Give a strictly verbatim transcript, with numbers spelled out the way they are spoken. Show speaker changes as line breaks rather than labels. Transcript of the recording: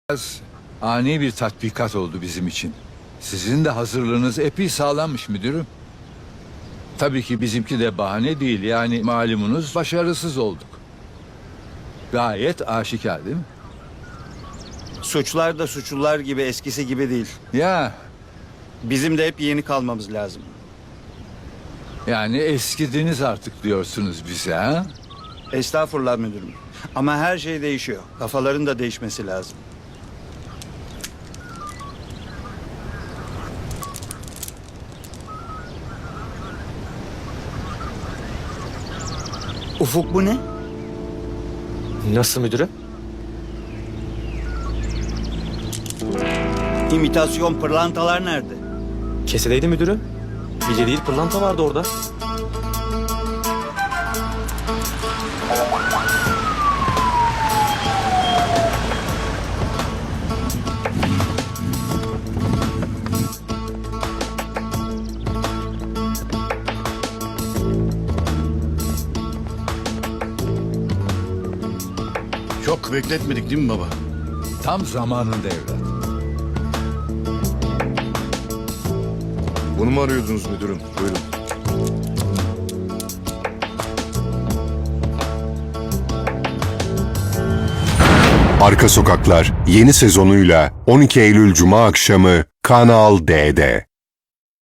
Biraz ani bir tatbikat oldu bizim için. Sizin de hazırlığınız epey sağlammış müdürüm. Tabii ki bizimki de bahane değil. Yani malumunuz başarısız olduk. Gayet aşikar değil mi?
Suçlar da suçlular gibi eskisi gibi değil.
Ya
Bizim de hep yeni kalmamız lazım.
yani eskidiniz artık diyorsunuz bize ha?
Estağfurullah müdürüm. Ama her şey değişiyor. Kafaların da değişmesi lazım. Ufuk bu ne?
Nasıl müdürüm?
İmitasyon pırlantalar nerede?
Kesedeydi müdürüm. Bilye değil pırlanta vardı orada.
Çok bekletmedik değil mi baba?
Tam zamanında evlat.
Bunu mu arıyordunuz müdürüm? Buyurun.
Arka Sokaklar yeni sezonuyla on iki Eylül Cuma akşamı Kanal D'de.